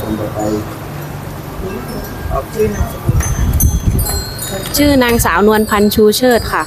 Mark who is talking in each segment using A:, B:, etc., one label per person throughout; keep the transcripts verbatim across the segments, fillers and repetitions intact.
A: ชื่อนางสาวนวลพันธ์ชูเชิดค่ะ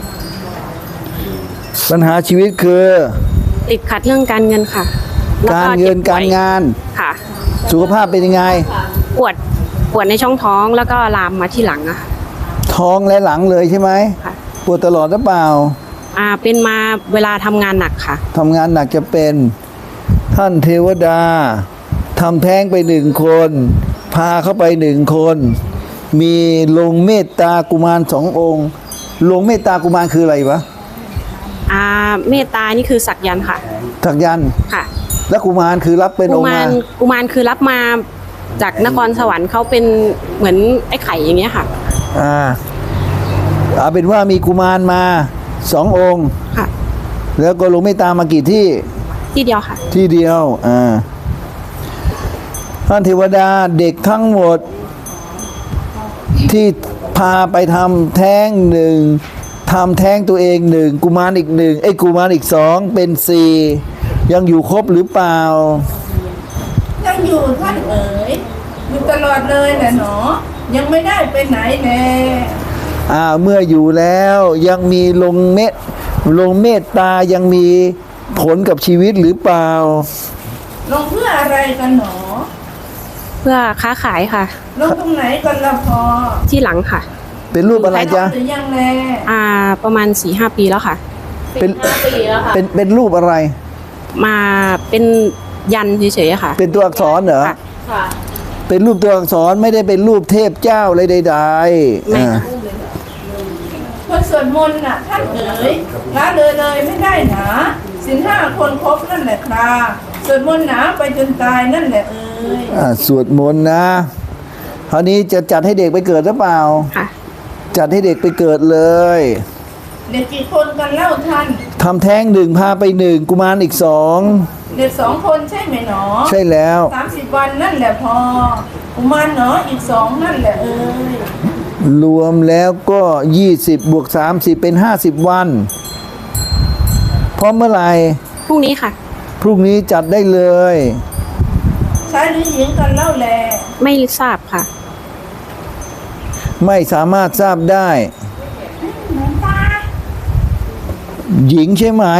B: ปัญหาชีวิตคือ
A: ติดขัดเรื่องการเงินค่ะ
B: การเงินการงาน
A: ค่ะ
B: สุขภาพเป็นยังไง
A: ปวดปวดในช่องท้องแล้วก็ลามมาที่หลังอะ
B: ท้องและหลังเลยใช่ไหม
A: ค่ะ
B: ปวดตลอดหรือเปล่า
A: อ่าเป็นมาเวลาทำงานหนักค่ะ
B: ทำงานหนักจะเป็นท่านเทวดาทำแท้งไปหนึ่งคนพาเข้าไปหนึ่งคนมีลงเมตตากุมารสององค์ลงเมตตากุมารคืออะไรวะ
A: อ่าเมตตานี่คือสักยันต์ค่ะ
B: สักยันต์
A: ค่ะ
B: แล้วกุมารคือรับเป็นองค์มา
A: กุมารคือรับมาจากนครสวรรค์เขาเป็นเหมือนไอ้ไข่อย่างเงี้ยค่ะ
B: อ่าเอาเป็นว่ามีกุมารมาสององค์
A: ค่ะ
B: แล้วก็ลงเมตตามากี่ที่
A: ที่เดียวค่ะ
B: ที่เดียวอ่าท่านเทวดาเด็กทั้งหมดที่พาไปทำแท้งหนึ่งทำแท้งตัวเองหนึ่งกุมารอีกหนึ่งไอ้กุมารอีกสองเป็นสี่ยังอยู่ครบหรือเปล่า
C: ยังอยู่ท่านเอ๋ยอยู่ตลอดเลยแหละหนอยังไม่ได้ไปไหนแน่
B: อ่าเมื่ออยู่แล้วยังมีลงเมตลงเมตตายังมีผลกับชีวิตหรือเปล่า
C: ลงเพื่ออะไรกันหนอ
A: เพื่อค้าขายค่ะ
C: ลงตรงไหนกันละพอ
A: ที่หลังค่ะ
B: เป็นรูปอะไรจ๊ะ
C: หรือยังแล
A: อ่าประมาณสี่ห้าปีแล้วค่ะ
B: เป็นเป็นเป็นรูปอะไร
A: มาเป็นยันเฉยๆค่ะ
B: เป็นตัวอักษรเหรอ
A: ค่ะ
B: เป็นรูปตัวอักษรไม่ได้เป็นรูปเทพเจ้าอะไรใด
A: ๆไม่
C: คนสวดมนต์น่ะท่านเอ๋ยละเลยเลยไม่ได้หนาศีลห้าคนครบนั่นแหละครับสวดมนต์หนาไปจนตายนั่นแหละเอ๋ย
B: อ่าสวดมนต์นะคราวนี้จะจัดให้เด็กไปเกิดหรือเปล่า
A: ค่ะ
B: จัดให้เด็กไปเกิดเลย
C: เด็กกี่คนกันเล่าท่าน
B: ทำแท้งหนึ่งพาไปหนึ่งกุมารอีกสอง
C: เด็กสองคนใช่ไหมหนอ
B: ใช่แล้ว
C: สามสิบวันนั่นแหละพอกุมารหนออีกสองนั่นแหละเอ้ย
B: รวมแล้วก็ยี่สิบบวกสามสิบเป็นห้าสิบวันพร้อมเมื่อไหร่
A: พรุ่งนี้ค่ะ
B: พรุ่งนี้จัดได้เลย
C: ชายหรือหญิงกันเล่าแล
A: ไม่ทราบค่ะ
B: ไม่สามารถทราบได้หญิงใช่ไหม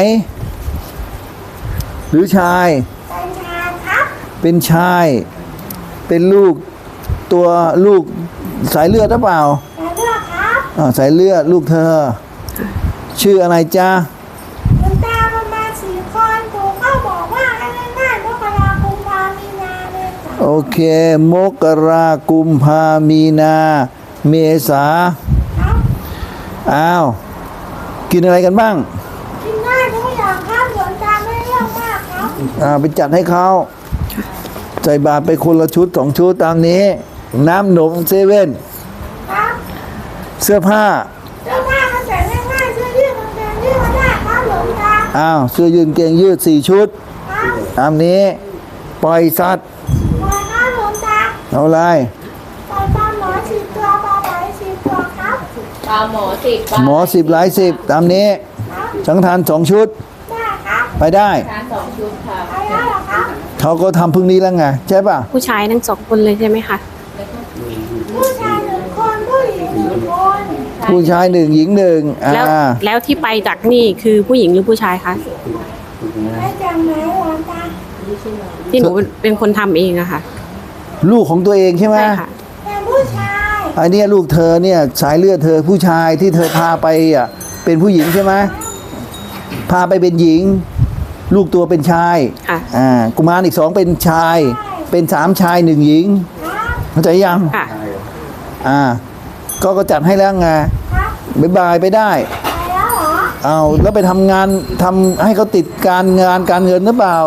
B: หรือชายเป็นชายเป็นลูกตัวลูกสายเลือดหรือเปล่า
C: สายเลือดครับ
B: อ่าสายเลือดลูกเธอชื่ออะไรจ๊ะ
C: คุณตาประมาณสี่คนปู่ก็บอกว่าให้ง่ายๆมกรากุมภามีนาเลย
B: โอเคมกรากุมภามีนาเมษาอ้าวกินอะไรกันบ้าง
C: กินได้ทุกอย่างครับหลวงตาไม่เรื่องมากครับ
B: อ่าไปจัดให้เขาใส่บาตรไปคนละชุดสองชุดตามนี้น้ำหนมเซเว่นเสื้อผ้า
C: เสื้อผ้าก็ใส่ง่ายๆเสื้อยืดกางเกงยืดก็ได้ครับหลวงตา
B: อ้าวเสื้อยืดเกงยืดสี่ชุดตามนี้ปล่อยสัตว์
C: ปล่อยครับหลวงตา
B: เอาอะไร
C: ปล่อยปลาหมอสิบตัวปลาไหลสิบตัวครับ
D: ปลาหมอสิบ
B: หมอสิบหลายสิบตามนี้สังฆทานสองชุดไปได้
D: สองชุดค่ะ
C: ไปได้หรอครับ
B: เขาก็ทำพึ่งนี้แล้วไงใช่ป่ะ
A: ผู้ชายทั้งสองคนเลยใช่ไหมคะ
C: ผู้ชายหนึ่งคนผู้หญิงหนึ่งคน
B: ผู้ชายหนึ่งหญิงหนึ่ง
A: แล้วแล้วที่ไปจากนี่คือผู้หญิงหรือผู้ชายคะ
C: ไปจากไหนวะตา
A: ที่หนูเป็นคนทำเองอะค่ะ
B: ลูกของตัวเองใช่ไหม
A: ใช่ค่ะ
C: เป็นผู้ชาย
B: อันนี้ลูกเธอเนี่ยสายเลือดเธอผู้ชายที่เธอพาไปอ่ะเป็นผู้หญิงใช่ไหมพาไปเป็นหญิงลูกตัวเป็นชายอ่ากุมารอีกสองเป็นชายเป็นสามชายหนึ่งหญิงเข้าใจยัง
A: ค่ะ
B: อ่าก็ก็จัดให้แล้วไงบ๊ายบายไปได้เอาแล้วไปทำงานทำให้เขาติดการงานการเงินหรือเปล่า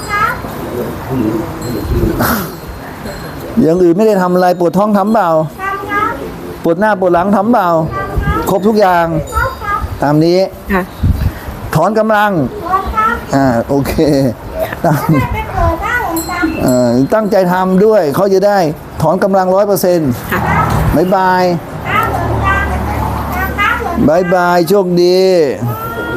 B: อย่างอื่นไม่ได้ทำอะไรปวดท้องทำเปล่าปวดหน้าปวดหลังทำเปล่าครบทุกอย่างตามนี้ถอนกำลังอ่าโอเคตั้งใจทำด้วยเขาจะได้ถอนกำลังร้อยเปอร์เซ็นต์บายบายบายบายโชคดี